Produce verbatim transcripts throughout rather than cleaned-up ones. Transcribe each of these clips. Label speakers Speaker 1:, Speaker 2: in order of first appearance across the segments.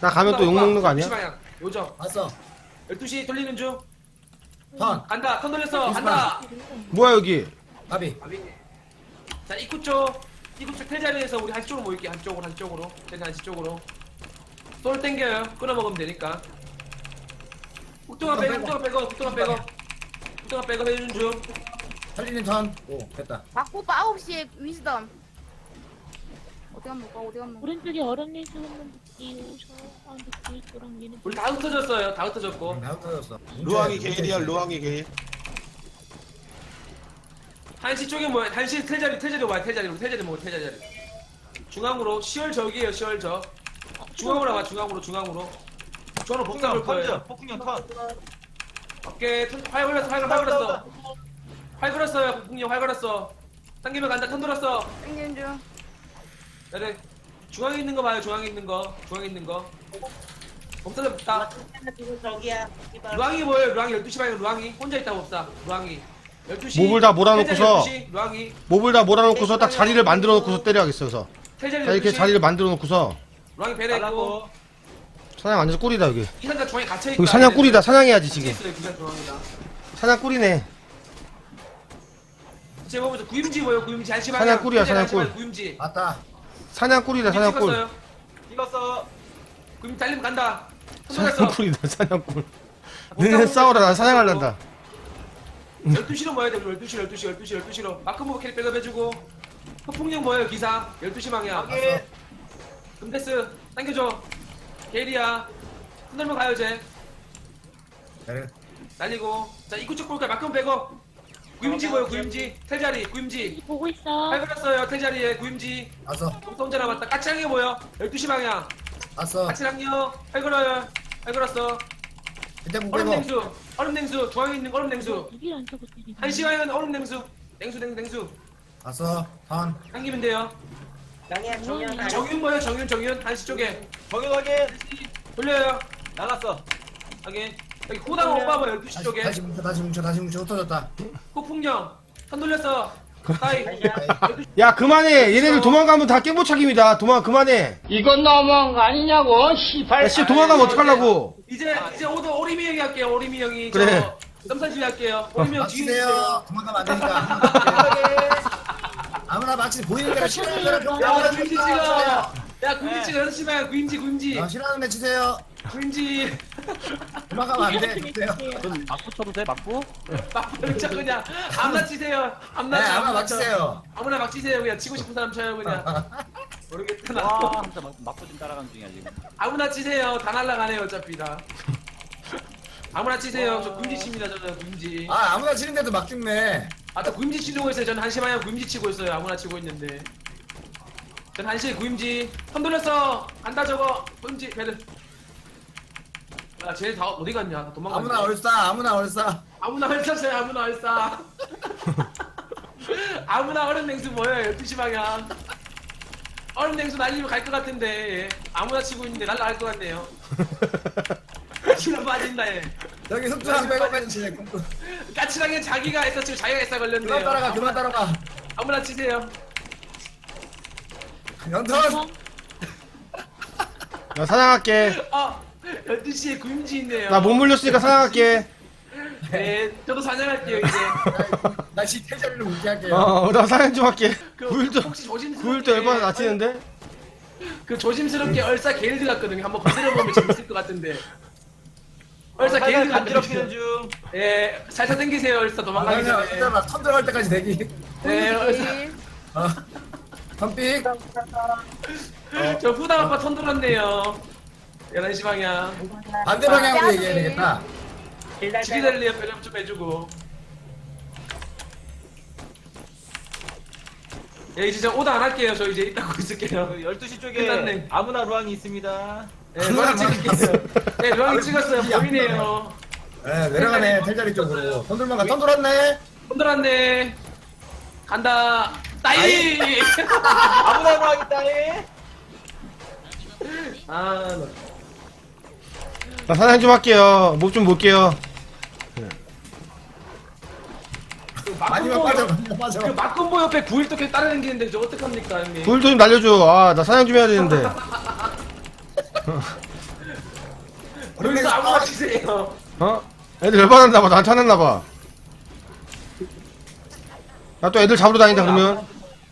Speaker 1: 나 가면 또 욕먹는 거 아니야?
Speaker 2: 방향. 요정.
Speaker 3: 왔어.
Speaker 2: 열두 시 돌리는 중.
Speaker 3: 턴.
Speaker 2: 간다. 턴 돌렸어.
Speaker 3: 이스마.
Speaker 2: 간다.
Speaker 1: 뭐야 여기?
Speaker 3: 바비.
Speaker 2: 자, 입구 쪽. 입구 쪽 텔자리에서 우리 한쪽으로 모일게. 한쪽으로, 한쪽으로. 텔자 한쪽으로. 솔 땡겨요. 끊어 먹으면 되니까. 국동아 빼고, 국동아 빼고, 국동아 빼고. 국동아 빼고 해주는 중.
Speaker 3: 살리는 턴. 오, 됐다.
Speaker 4: 바꾸빠 아홉 시에 위즈덤. 어디 가면 볼까? 어디 가면 볼까?
Speaker 5: 오른쪽에 얼음 레이스 한번 띄우셔. 아, 근데 구일도랑 얘네
Speaker 2: 우리 다 흩어졌어요. 다 흩어졌고.
Speaker 3: 다 흩어졌어.
Speaker 6: 루앙이 게일이야 루앙이 게일.
Speaker 2: 한시 쪽에 뭐야? 한시 텔자리, 텔자리 와요. 텔자리로, 텔자리 먹어, 텔자리. 중앙으로, 시월 적이에요, 시월 적. 중앙으로 와, 중앙으로, 중앙으로. 중앙으로 복사 볼 거예요.
Speaker 6: 폭풍형 턴.
Speaker 2: 오케이, 턴- 활 걸었어, 활 걸었어, 활 걸었어. 활 걸었어요, 폭풍령 활 걸었어. 당기면 간다, 턴 돌았어.
Speaker 4: 땡기는 중.
Speaker 2: 네네. 중앙에 있는 거 봐요, 중앙에 있는 거. 중앙에 있는 거. 법사들 없다.
Speaker 7: 저기야.
Speaker 2: 루앙이 뭐예요, 루앙이 열두 시 방에 루앙이. 혼자 있다, 법사. 루앙이. 열두 시.
Speaker 1: 몹을 다 몰아놓고서-
Speaker 2: 열두 시, 루앙이.
Speaker 1: 몹을 다 몰아놓고서 딱 자리를 만들어 놓고서 때려야겠어. 그래서
Speaker 2: 텔자리
Speaker 1: 자, 이렇게
Speaker 2: 열두 시.
Speaker 1: 자리를 만들어 놓고서
Speaker 2: 루앙이 배려했고.
Speaker 1: 사냥 완전 꿀이다 여기.
Speaker 2: 기상자 중앙에 갇혀있다.
Speaker 1: 여기 사냥 꿀이다. 사냥해야지 지금.
Speaker 2: 있어요, 기상 중앙이다.
Speaker 1: 사냥 꿀이네.
Speaker 2: 제가 보면서 구임지 뭐예요, 구임지. 한시 방향.
Speaker 1: 사냥 꿀이야,
Speaker 2: 텔자리
Speaker 1: 사냥
Speaker 2: 한시 방향,
Speaker 1: 꿀.
Speaker 2: 구임지.
Speaker 3: 맞다.
Speaker 1: 사냥 꿀이다. 사냥 꿀.
Speaker 2: 찍었어요. 찍었어. 구임지 달리면 간다.
Speaker 1: 사냥
Speaker 2: 손들었어.
Speaker 1: 꿀이다. 사냥 꿀. 너네 싸워라. 난 사냥할란다.
Speaker 2: 열두 시로 모여야 돼, 우리 열두 시, 열두 시, 열두 시, 열두 시로. 마크모브 캐릭 백업 해주고. 폭풍령 뭐예요, 기사. 열두 시 방향.
Speaker 3: 왔어.
Speaker 2: 금데스, 당겨줘. 게일이야. 흔들면 가요, 쟤.
Speaker 3: 그래.
Speaker 2: 날리고. 자, 입구 쪽 볼까요? 마크모브 백업. 구임지 뭐예요, 구임지. 텔자리, 구임지.
Speaker 5: 보고 있어.
Speaker 2: 팔 걸었어요, 텔자리에, 구임지.
Speaker 3: 왔어.
Speaker 2: 혼자 남았다. 까치랑이 뭐예요? 열두 시 방향.
Speaker 3: 왔어.
Speaker 2: 까치랑이요. 팔 걸어요. 팔 걸었어.
Speaker 3: 이때
Speaker 2: 얼음
Speaker 3: 무게고.
Speaker 2: 냉수. 얼음 냉수. 중앙에 있는 얼음 냉수.
Speaker 5: 여기 안 타고 때리네.
Speaker 2: 한 시간은 얼음 냉수. 냉수, 냉수, 냉수.
Speaker 3: 왔어. 턴.
Speaker 2: 당기면 돼요.
Speaker 7: 양이야 정연.
Speaker 2: 정윤 뭐예요? 정윤, 정윤. 한시 쪽에.
Speaker 6: 정현 확인.
Speaker 2: 돌려요.
Speaker 6: 나갔어.
Speaker 2: 여기. 여기 호당 오빠 뭐 열두 시
Speaker 3: 다시,
Speaker 2: 쪽에.
Speaker 3: 다시 뭉쳐, 다시 뭉쳐, 다시 뭉쳐. 흩어졌다.
Speaker 2: 폭풍령. 선 돌렸어. 따이.
Speaker 1: 야 그만해. 얘네들 도망가면 다 깨보착입니다. 도망 그만해.
Speaker 8: 이건 너무한 거 아니냐고, 시발.
Speaker 1: 야 씨 도망가면 어떡하려고.
Speaker 2: 이제 이제 오도 오리미 형이 할게요. 오리미 형이.
Speaker 1: 그래.
Speaker 2: 저 썸사실 할게요. 오리미 형 뒤에 있어요.
Speaker 3: 맞추세요. 도망가면 안 되니까. 아무나 맞지 보이는 대로 싫어하는 대로
Speaker 2: 야,
Speaker 3: 병
Speaker 2: 구임지 찍어. 야, 구임지 찍어. 여섯 시 방향 구임지, 구임지.
Speaker 3: 어, 싫어하는 애 치세요.
Speaker 2: 구임지.
Speaker 3: 도망가면 안 돼. 주세요.
Speaker 6: 막부 쳐도 돼 막부?
Speaker 2: 막 그냥 그냥 아무나 치세요.
Speaker 3: 네,
Speaker 2: 아무나 쳐,
Speaker 3: 아무나
Speaker 2: 쳐.
Speaker 3: 맞추세요.
Speaker 2: 아무나 막 치세요. 그냥 치고 싶은 사람 쳐요 그냥. 모르겠다 나.
Speaker 6: 와 진짜 막- 막부 좀 따라가는 중이야 지금.
Speaker 2: 아무나 치세요. 다 날라가네요 어차피 다. 아무나 치세요. 저 구임지 칩니다 저는 구임지.
Speaker 3: 아, 아무나 치는데도 막 죽네.
Speaker 2: 아, 또 구임지 치려고 했어요. 저는 한시 방향 구임지 치고 있어요. 아무나 치고 있는데. 전 한시 구임지. 손 돌렸어. 간다 저거. 구임지 배들. 야, 쟤 다 어디 갔냐? 다 도망갔네.
Speaker 3: 아무나 얼싸, 아무나 얼싸.
Speaker 2: 아무나 얼싸세요. 아무나 얼싸. 아무나 얼음 냉수 뭐예요? 열두 시 방향. 얼음 냉수 날리면 갈 것 같은데. 아무나 치고 있는데 날라갈 것 같네요. 까치랑 빠진다 얘.
Speaker 3: 여기 속주랑 백업해주지.
Speaker 2: 까치랑에 자기가 했어 지금 자기가 했어
Speaker 3: 그만
Speaker 2: 걸렸네요.
Speaker 3: 따라가, 그만 따라가.
Speaker 2: 아무나 치세요.
Speaker 3: 연턴.
Speaker 1: 나 사냥할게.
Speaker 2: 어, 열두 시에 구임지 있네요.
Speaker 1: 나 못 물렸으니까 사냥할게.
Speaker 2: 네, 저도 사냥할게요 이제.
Speaker 3: 나 시태자리를 웃게 할게요.
Speaker 1: 어나 사냥 좀 할게.
Speaker 2: 그
Speaker 1: 구일도
Speaker 2: 혹시 조심스럽게
Speaker 1: 구일도 얼마나 낮히는데?
Speaker 2: 그 조심스럽게 얼싸 게일드 같거든요. 한번 건드려 보면 재밌을 것 같은데. 얼싸 게일드
Speaker 6: 간지럽히는
Speaker 2: 같거든요.
Speaker 6: 중.
Speaker 2: 예, 살살 당기세요 얼싸 도망가기
Speaker 3: 아니야,
Speaker 2: 전에.
Speaker 3: 진짜 나턴 들어갈 때까지 대기.
Speaker 2: 네, 얼싸.
Speaker 4: 일.
Speaker 3: 어. 턴픽.
Speaker 2: 저 후당 아빠 턴 돌았네요. 열한 시 방향.
Speaker 3: 반대 방향으로 얘기해야 되겠다.
Speaker 2: 지리달리에 배점 좀 해주고. 예, 이제 저 오다 안 할게요. 저 이제 이따고 있을게요.
Speaker 6: 그 열두 시 쪽에
Speaker 2: 끝났네.
Speaker 6: 아무나 루앙이 있습니다.
Speaker 2: 예, 루앙이 찍을게요. 예, 루앙이 찍었어요. 보이네요.
Speaker 3: 네, 내려가네, 텔자리 쪽으로. 턴 돌만 가, 턴 돌았네.
Speaker 2: 턴 돌았네. 간다. 따이!
Speaker 6: 아무나 루앙 있다 해.
Speaker 2: 아, 나.
Speaker 1: 나 사냥 좀 할게요. 목 좀 볼게요.
Speaker 2: 그
Speaker 3: 마지막
Speaker 2: 막군보
Speaker 3: 빠져,
Speaker 2: 옆-
Speaker 3: 마지막 빠져.
Speaker 2: 그 막군보 옆에 구일도 계속 따라다니는데 저 어떡합니까 형님?
Speaker 1: 구일도 좀 날려줘. 아 나 사냥 좀 해야 되는데.
Speaker 2: 여기서 아무나 치세요.
Speaker 1: 어? 애들 열받았나봐. 나한테 화났나봐. 나 또 애들 잡으러 다닌다 그러면.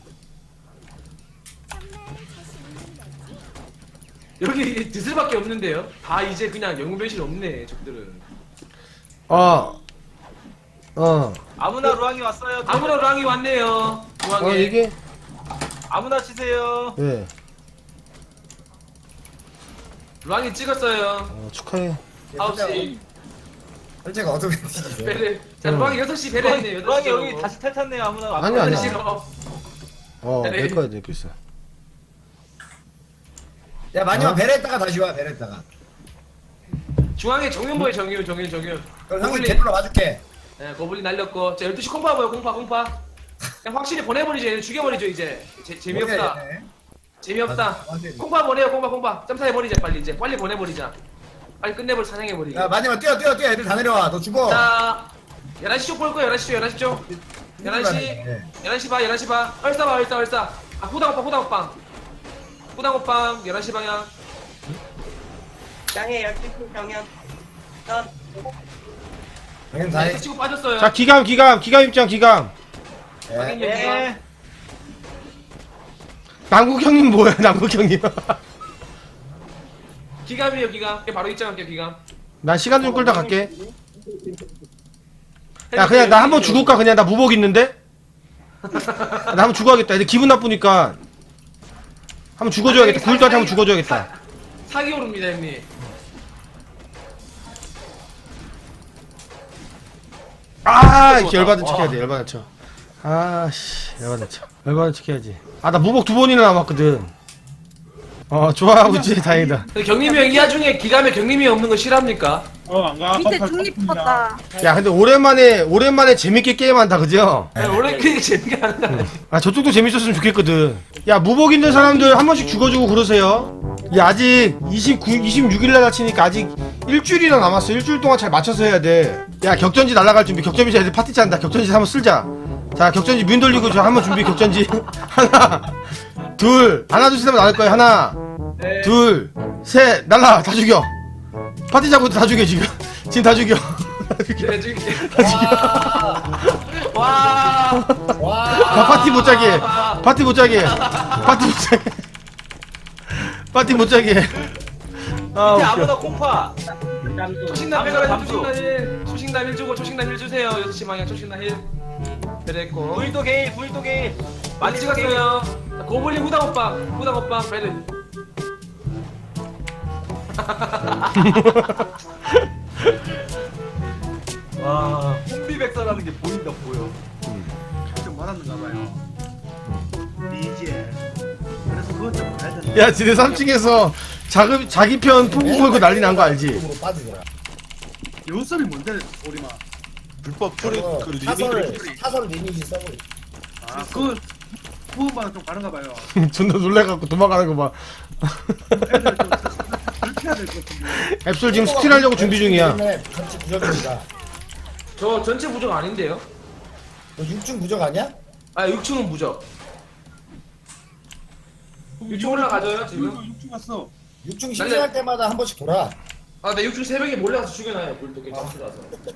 Speaker 2: 여기 드슬밖에 없는데요. 다 이제 그냥 영웅 변신 없네 적들은.
Speaker 1: 어. 어.
Speaker 6: 아무나 루앙이 왔어요.
Speaker 2: 아무나 랑이 왔네요. 중앙에.
Speaker 1: 어, 이게?
Speaker 6: 아무나 치세요.
Speaker 1: 예.
Speaker 2: 랑이 찍었어요.
Speaker 1: 어, 축하해.
Speaker 2: 아홉 시.
Speaker 3: 설제가 어떻게 되지?
Speaker 2: 베레. 자,
Speaker 1: 응.
Speaker 2: 랑이 여섯 시 베레했네. 여섯
Speaker 6: 루앙이
Speaker 2: 시.
Speaker 6: 여기 다시 탈 탔네요. 아무나.
Speaker 1: 아니, 아니.
Speaker 2: 여섯 시로.
Speaker 1: 어,
Speaker 2: 네.
Speaker 1: 내 거야, 내 거 있어.
Speaker 3: 야 마지막
Speaker 1: 어?
Speaker 3: 베레했다가 다시 와 베레했다가.
Speaker 2: 중앙에 정윤보에 정윤 정윤 정윤.
Speaker 3: 그럼 형이
Speaker 2: 거블린.
Speaker 3: 개불러 와줄게.
Speaker 2: 네, 거블린 날렸고. 자, 열두 시 콩파 보여. 콩파 콩파. 그냥 확실히 보내버리죠. 얘는 죽여버리죠 이제. 제, 재미없다.
Speaker 3: 모르겠네.
Speaker 2: 재미없다.
Speaker 3: 맞아, 완전히.
Speaker 2: 콩파 보내요. 콩파 콩파. 점사해버리자 빨리 이제. 빨리 보내버리자. 빨리 끝내버리 사냥해버리게.
Speaker 3: 야 마지막 뛰어 뛰어 뛰어 애들 다 내려와. 너 죽어.
Speaker 2: 자, 열한 시 쪽 볼 거야. 열한 시 쪽, 열한 시 쪽. 열한 시,
Speaker 3: 네.
Speaker 2: 열한 시 봐, 열한 시 봐. 얼싸 봐, 얼싸, 얼싸. 아, 후당오빵, 후당오빵. 후당오빵, 열한 시 방향.
Speaker 7: 땅에 열두 시 정연. 선.
Speaker 3: 당연 다 해.
Speaker 2: 치고 빠졌어요.
Speaker 1: 자, 기감, 기감, 기감 입장, 기감.
Speaker 3: 예.
Speaker 2: 확인
Speaker 6: 네.
Speaker 2: 여기요.
Speaker 1: 남국 형님 뭐야, 남국 형님.
Speaker 2: 기감이에요, 기감. 바로 입장할게요, 기감.
Speaker 1: 난 시간 좀 끌다 갈게. 야, 그냥 나 한번 죽을까? 그냥 나 무복 있는데? 나 한번 죽어야겠다. 애들 기분 나쁘니까. 한번 죽어줘야겠다. 구일도한테 한번 죽어줘야겠다.
Speaker 2: 사기 오릅니다, 형님.
Speaker 1: 아, 이렇게 열받은 척 해야 돼, 열받은 척. 아, 씨, 열받은 척. 열받은 척 해야지. 아, 나 무복 두 번이나 남았거든. 어, 좋아하고 있지, 다행이다.
Speaker 2: 경림이 형 이 와중에 기감에 경림이 없는 거 싫어합니까?
Speaker 4: 밑에 중립 붙었다.
Speaker 1: 야, 근데 오랜만에, 오랜만에 재밌게 게임한다, 그죠?
Speaker 2: 네, 원래 그게 재미가 안 나.
Speaker 1: 아, 저쪽도 재밌었으면 좋겠거든. 야, 무복 있는 사람들 한 번씩 죽어주고 그러세요. 야, 아직 이십구, 이십육 일날 다치니까 아직 일주일이나 남았어. 일주일 동안 잘 맞춰서 해야 돼. 야, 격전지 날아갈 준비. 격전지 애들 파티 짠다. 격전지 한번 쓸자. 자, 격전지 문 돌리고 저 한번 준비. 격전지. 하나, 둘, 하나, 둘, 셋 하면 나갈 거야. 하나,
Speaker 2: 네.
Speaker 1: 둘, 셋, 날라. 다 죽여. 파티 잡고 다 죽여, 지금. 지금 다 죽여. 다 죽여.
Speaker 2: 네, 지금. 와. 와.
Speaker 1: 아, 파티 못 자게 해. 파티 못 자게 해. 파티 못 자게 해. 파티 못 자게 해. 아,
Speaker 6: 밑에
Speaker 1: 웃겨.
Speaker 6: 아무나 콩파.
Speaker 2: 초식남
Speaker 6: 잠수,
Speaker 2: 빼가라
Speaker 6: 잠수.
Speaker 2: 초식남 일. 초식남 일 주고 초식남 일 주세요. 여섯 시 방향 초식남 일. 그랬고.
Speaker 6: 구일도 게일, 구일도 게일.
Speaker 2: 많이 찍었어요. 자, 고블린 후당 오빠, 후당 오빠, 베르.
Speaker 6: 와, 혼비백사라는 게 보인다 보여.
Speaker 9: 좀 받았는가 봐요. 이제 그래서 그것 좀 봐야 된다.
Speaker 1: 야, 지네 삼 층에서 자기, 자기 편 풍부 걸고 난리 난 거 알지?
Speaker 3: 으로 빠지더라.
Speaker 9: 요소리 뭔데 우리마?
Speaker 10: 불법 프리
Speaker 3: 그거
Speaker 10: 그
Speaker 3: 사설
Speaker 10: 리미트
Speaker 3: 사설 리니지 써버리.
Speaker 9: 아 그거 부분마다 좀 다른가 봐요.
Speaker 1: 존나 놀래갖고 도망가는 거 봐.
Speaker 9: 애들 좀 그렇게 해야 될 것 같은데.
Speaker 1: 앱솔 지금 스틸하려고 준비 중이야.
Speaker 3: 전체 부적입니다.
Speaker 2: 저 전체 부적 아닌데요?
Speaker 3: 너 육 층 부적 아니야?
Speaker 2: 아, 육 층은 부적. 육 층 올라가져요, 지금?
Speaker 9: 육주 갔어.
Speaker 3: 육 층 신청할 때마다 한 번씩 돌아.
Speaker 2: 아, 네, 육 층 새벽에 몰래 가서 죽여놔요, 물도 괜찮더라서.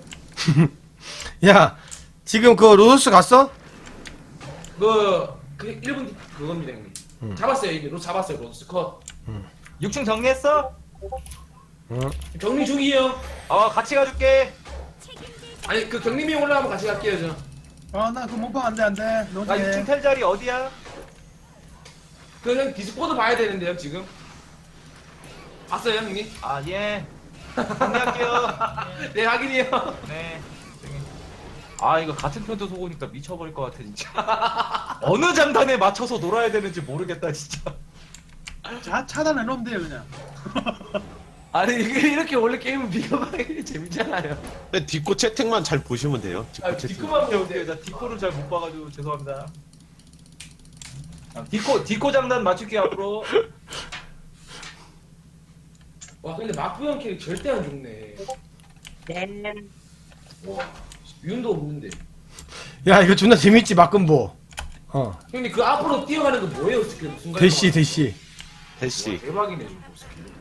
Speaker 1: 야, 지금 그 로도스 갔어?
Speaker 2: 그, 그 일 분 그겁니다, 형님.
Speaker 1: 음.
Speaker 2: 잡았어요, 이미. 로 잡았어요, 로스 컷.
Speaker 6: 육 층 정리했어?
Speaker 1: 응.
Speaker 2: 경리 중이에요.
Speaker 6: 어, 같이 가줄게.
Speaker 2: 아니, 그 경림이 올라가면 같이 갈게요, 저.
Speaker 9: 아나 그 몸빵 안돼 안돼. 너
Speaker 6: 나 육 층 텔 자리 어디야?
Speaker 2: 그, 형, 디스코드 봐야 되는데요, 지금. 봤어요, 형님?
Speaker 6: 아, 예. 정리할게요.
Speaker 2: 네, 확인이요.
Speaker 6: 네. 아, 이거 같은 편도 속으니까 미쳐버릴 것 같아, 진짜. 어느 장단에 맞춰서 놀아야 되는지 모르겠다, 진짜.
Speaker 9: 자 차단해 놓으면 돼요 그냥.
Speaker 2: 아니, 이게 이렇게 원래 게임은 비교하기 재밌잖아요.
Speaker 10: 근데 뒷고 채팅만 잘 보시면 돼요. 뒷고
Speaker 2: 아,
Speaker 10: 채팅.
Speaker 2: 디코만
Speaker 6: 오케이,
Speaker 2: 보면
Speaker 6: 오케이.
Speaker 2: 돼.
Speaker 6: 나 디코를 잘 못 봐가지고 죄송합니다. 아, 디코, 디코 장단 맞출게요, 앞으로.
Speaker 2: 와, 근데 마프형 캐릭 절대 안 죽네.
Speaker 7: 네.
Speaker 2: 와, 윤도 없는데.
Speaker 1: 야, 이거 존나 재밌지, 막금보. 어.
Speaker 2: 형님, 그 앞으로 뛰어가는 거 뭐예요, 스킬? 순간.
Speaker 1: 대시, 대시.
Speaker 10: 대시.
Speaker 2: 대박이네, 저거 스킬.